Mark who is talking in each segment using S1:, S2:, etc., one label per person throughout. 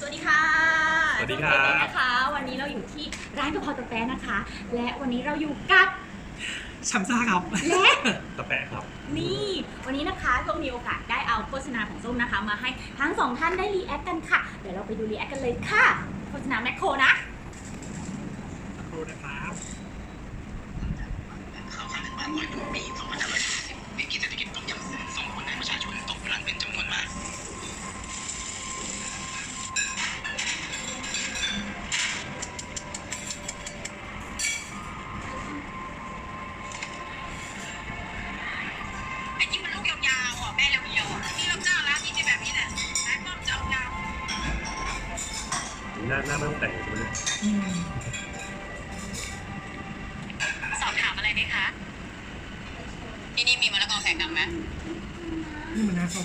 S1: วัสดีค่ะ
S2: สวัสดีครับ
S1: นะคะวันนี้เราอยู่ที่ร้านกะเพราตะแปะนะคะ และวันนี้เราอยู่กับ
S2: ชัมซ่าครับ
S1: และ
S2: ตะแปะครับ
S1: นี่วันนี้นะคะส้มมีโอกาสได้เอาโฆษณาของส้มนะคะ มาให้ทั้งสองท่านได้รีแอคกันค่ะ เดี๋ยวเราไปดูรีแอคกันเลยค่ะโฆษณาแมคโครนะ
S2: ครูนะครับ
S3: ข่าวการบ้าน100ปี2540วิกฤตเศรษฐกิจต้มยำส่งผลให้ประชาชนตกงานเป็นจำนวนมากไอ้ที่มันลูกยาวๆอ่ะแม่เรียวๆอ่ะที่เราจ้างร้านนี้จะแบบนี้แหละร้านป้อมจะเอายาว
S2: หน้าไม่ต้องแต่งใช่ไหม
S3: สอบถามอะไรไหมคะที่นี่มีมะละกอแขกดำไหม
S4: นี่มันน่าส้ม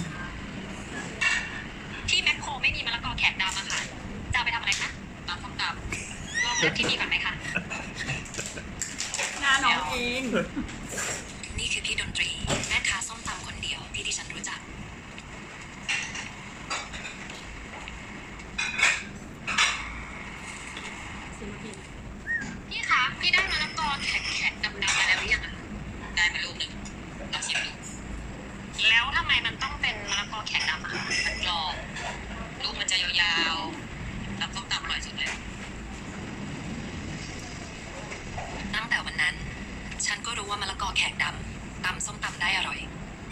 S3: ที่แมคโครไม่มีมะละกอแขกดำอะค่ะจะเอาไปทำอะไรคะตำส้มตำลองเลือกที่นี่ก่อนไหมคะ
S1: หน้าน้องเอง
S3: นี่คือพี่ดนตรีแม่ค้าส้มตำคนเดียวที่ดิฉันรู้จักพี่คะพี่ได้มะละกอแขกดำๆมาแล้วหรือยังอะได้มาลูกหนึ่งลองชิมดูแล้วทำไมมันต้องเป็นมะละกอแขกดำอะมันกรอบลูกมันจะยาวๆตำส้มตำอร่อยสุดเลยตั้งแต่วันนั้นฉันก็รู้ว่ามะละกอแขกดำตำส้มตำได้อร่อย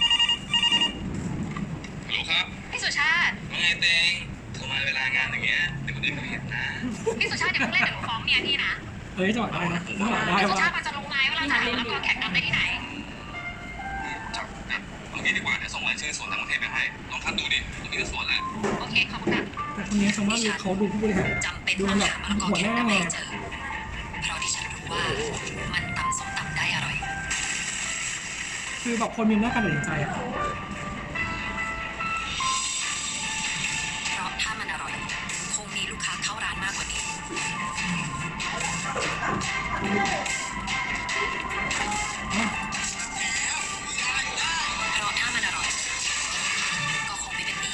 S3: ฮัลโหลครับพี่สุชาติว่าไงเตงโทรมาเวลางานอย่างเงี้ยเดี๋ยวคนอื่นเขาเห็นนะพี่สุชาติอย่าเพิ่งเล่นเดี๋ยวหนูฟ้องเมียพี่นะ
S4: เฮ้ยจังหวะได้นะจังหวะได้
S3: พี่สุ
S4: ว่ะ
S3: ชาติมันจะรู้ไหมว่าเราจะหามะละกอแขกดำได้ที่ไหนจับเอางี้ดีกว่าเดี๋ยวส่งรายชื่อสวนทั้งประเทศไปให้ลองคัดดูดิตรงนี้ก็สวนแล้วโอเคขอบคุณค่ะ
S4: แต่คนนี้ชาวบ้านเขาดูผู้บริหาร
S3: จำเป็น
S4: ดู
S3: ต้อง
S4: แบบ
S3: หามะละกอ
S4: หัว
S3: แข
S4: ห
S3: ก
S4: น้า
S3: ดำ
S4: ไง
S3: ให้เจอเพราะที่ฉันรู้ว่ามันตำส้มตำได้อร่อย
S4: คือแบบคนมีหน้าการตัดสินใจอ่ะ
S3: เพราะถ้ามันอร่อยคงมีลูกค้าเข้าร้านมากกว่านี้ เพราะถ้ามันอร่อยก็คงไม่เป็นหนี้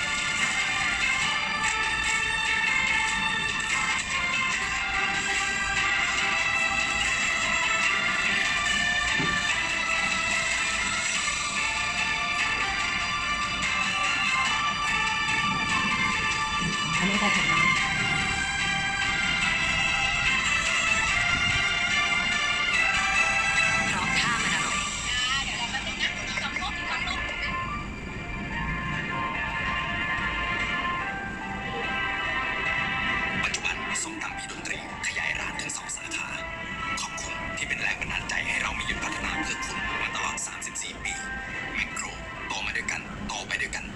S4: อันนี้ก็ของร้าน
S3: เพราะถ้ามันอร่อยปัจจุบันส้มตำพี่ดนตรีขยายร้านถึง2 สาขา ขอบคุณที่เป็นแรงบันดาลใจให้เรามีหยุดพัฒนาเพื่อคุณมาตลอด 34 ปี แมคโครโตมาด้วยกันโตไปด้วยกัน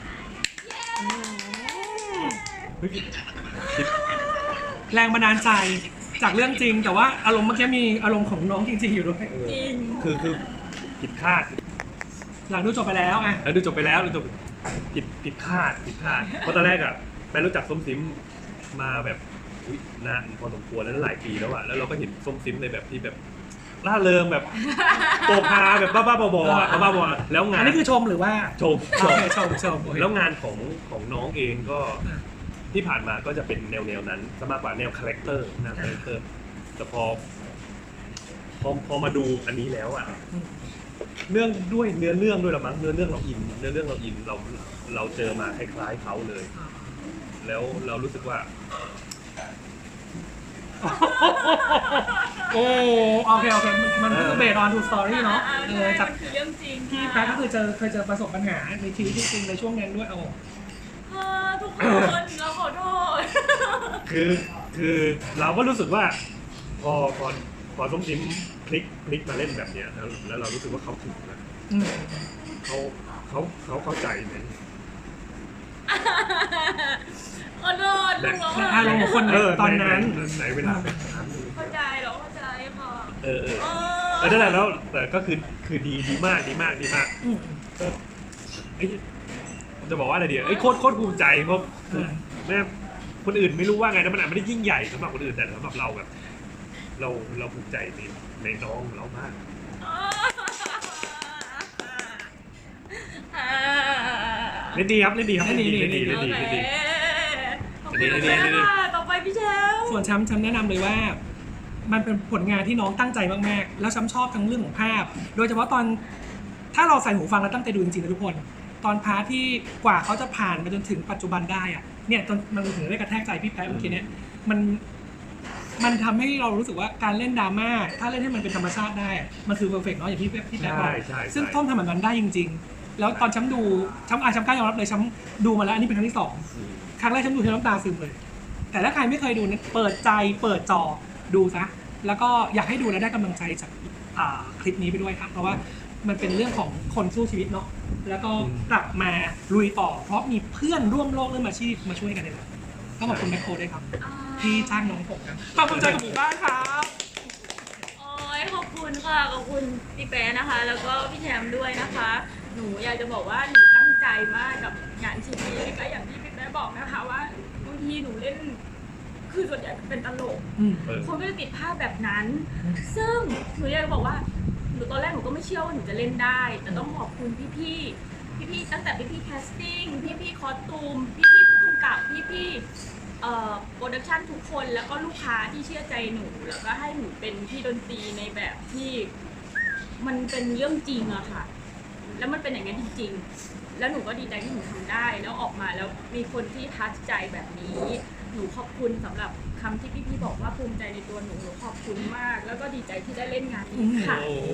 S2: เฮ้ย
S4: แรงบันดาลใจจากเรื่องจริง แต่ว่าอารมณ์เมื่อกี้มีอารมณ์ของน้องจริงๆอยู่ด้วย
S1: จริง
S2: คือผิดคาด
S4: หลังดูจบไปแล้วไง
S2: แล้วดูจบไปแล้วดูจบผิดคาดเพราะตอนแรกอะแม่รู้จักส้มซิมมาแบบอุ๊ยนานพอสมควรแล้วหลายปีแล้วอะแล้วเราก็เห็นส้มซิมในแบบที่แบบล่าเริงแบบโปกฮาแบบบ้าๆบอๆอะบ้าๆบอๆแล้วงา
S4: อั
S2: น
S4: นนี้คือชมหรือว่า
S2: ชม
S4: โอเคชมโอเค
S2: แล้วงานของน้องเองก็ที่ผ่านมาก็จะเป็นแนวนั้นซะมากกว่าแนวคาแรคเตอร์นะคาแรคเตอร์แต่พอมาดูอันนี้แล้วอ่ะเนื่องด้วยเนื้อเรื่องด้วยละมั้งเนื้อเรื่องเราอินเราเจอมาคล้ายๆเขาเลย แล้วเรารู้สึกว่า
S4: โอ้โอเคมันคือเบสออนทูสตอรี่เนาะจาก
S1: คือเรื่องจริง
S4: ที่แป๊กก็คือเคยเจอประสบปัญหาในชีวิตจริงในช่วงนั้นด้วยเอา
S1: ทุกคนเราขอโทษ
S2: คือเราก็รู้สึกว่าพอส้มซิมพลิกมาเล่นแบบเนี้ยแล้วเรารู้สึกว่าเขาถึงนะ
S4: อืม
S2: เขาเข้าใจไหม
S1: ขอโทษลุงเรา
S4: และอารมณ์ของคนในตอนนั้น
S2: ไหนเวลา
S1: เข้าใจเราเข้าใจค่ะ
S2: นั่นแหละแล้วแต่ก็คือดีมาก
S4: อืม
S2: เอ้ยจะบอกว่าอะไรดีเอ้ยโคตรภูมิใจเพราะแม่คนอื่นไม่รู้ว่าไงนะมันอาจไม่ได้ยิ่งใหญ่สำหรับคนอื่นแต่สำหรับเราแบบ เราภูมิใจในน้องเรามาก
S1: เล่นดีครับ
S2: เล่นดี
S1: โอเค
S2: นี่
S1: ต่อไปพี่แชมป์
S4: ส่วนช้ำแนะนำเลยว่า มันเป็นผลงานที่น้องตั้งใจมากๆ แล้วช้ำชอบทั้งเรื่องของภาพ โดยเฉพาะตอนถ้าเราใส่หูฟังแล้วตั้งใจดูจริงๆนะทุกคน ตอนพาร์ทที่กว่าเขาจะผ่านมาจนถึงปัจจุบันได้อะเนี่ยจนมันถึงได้กระแทกใจพี่แพ้เมื่อกี้เนี่ยมันทำให้เรารู้สึกว่าการเล่นดราม่าถ้าเล่นให้มันเป็นธรรมชาติได้อะมันคือเพอร์เฟกต์เนาะอย่างที่พี่แพ้บอก
S2: ใช่
S4: ซึ่งต้นทำแบบนั้นได้จริง ๆ แล้วตอนช้ำดูช้ำกล้ายอมรับเลยช้ำดูมาแล้วอันนี้เป็นครั้งที่ 2 ครั้งแรกช้ำดูช้ำน้ำตาซึมเลย แต่ถ้าใครไม่เคยดูนะเปิดใจเปิดจอดูซะแล้วก็อยากให้ดูแล้วได้กำลังใจจากคลิปนี้ไปด้วยครับเพราะว่ามันเป็นเรื่องของคนสู้ชีวิตเนาะแล้วก็กลับมาลุยต่อเพราะมีเพื่อนร่วมโลกเรื่องอาชีพมาช่วยกันเลยก็ขอบคุณแมคโครด้วยครับที่จ้างน้องผมครับขอบคุณใจกับหมู่บ้านครับ
S1: โอ้ยขอบคุณค่ะขอบคุณพี่แป๊ะนะคะ แล้วก็พี่แชมป์ด้วยนะคะ หนูอยากจะบอกว่าหนูตั้งใจมากกับงานชิ้นนี้ก็อย่างที่พี่แป๊ะบอกนะคะว่าบางทีหนูเล่นคือส่วนใหญ่เป็นตลก คนก็จะติดภาพแบบนั้น ซึ่งหนูอยากจะบอกว่าหนูตอนแรกหนูก็ไม่เชื่อว่าหนูจะเล่นได้ แต่ต้องขอบคุณพี่ๆตั้งแต่พี่ๆแคสติ้งพี่ๆคอสตูมพี่ๆผู้กำกับพี่ๆโปรดักชันทุกคนแล้วก็ลูกค้าที่เชื่อใจหนูแล้วก็ให้หนูเป็นพี่ดนตรีในแบบที่มันเป็นเรื่องจริงอะค่ะ แล้วมันเป็นอย่างนั้นจริงๆ แล้วหนูก็ดีใจที่หนูทำได้แล้วออกมาแล้วมีคนที่ทัชใจแบบนี้ หนูขอบคุณสำหรับคำที่พี่ๆบอกว่าภูมิใจในตัวหนูขอบคุณมาก แล้วก็ดีใจที่ได้เล่นงานนี้ค่ะ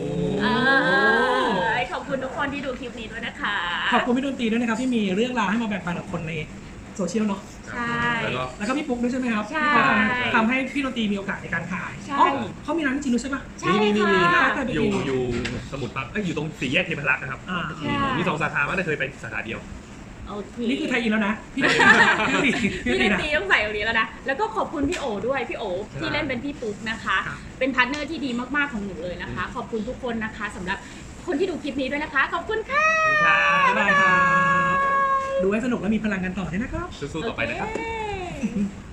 S1: ขอบคุณทุกคนที่ดูคลิปนี้ด้วยนะคะ
S4: ขอบคุณพี่ดนตรีด้วยนะครับที่มีเรื่องราวให้มาแบ่งปันกับคนในโซเชียลเนาะ
S1: ใช่
S4: แล้วก็พี่ปุ๊กด้วยใช่ไหมครับ
S1: ใช่
S4: ที่ทำให้พี่ดนตรีมีโอกาสในการขาย
S1: ใช่
S4: อ๋อเขามีร้านจริงด้วยใช่ปะ
S1: ใช่
S2: นี่
S1: ค่ะ
S2: อยู่สมุทรปราการอยู่ตรงสี่แยกเทพรักษ์นะครับ
S1: ใช่
S2: มี2 สาขาไม่ได้เคยไปสาขาเดียว
S1: โอเค
S4: นี่คือไทยอินแล้วนะพี่ดนตรี
S1: พี่ดน
S4: นะ
S1: ตรีต้องใส่ตรงนี้แล้วนะ แล้วก็ขอบคุณพี่โอด้วย พี่โอที่เล่นเป็นพี่ปุ๊กนะคะ
S4: ครับ
S1: เป็นพาร์ทเนอร์ที่ดีมากๆของหนูเลยนะคะ ขอบคุณทุกคนนะคะสำหรับคนที่ดูคลิปนี้ด้วยนะคะ ขอบคุณค่ะ
S4: บ๊ายบายครับดูให้สนุกและมีพลังกันต่อด้วยนะครับ
S2: สู้ๆต่อไปนะครับ
S1: โอเค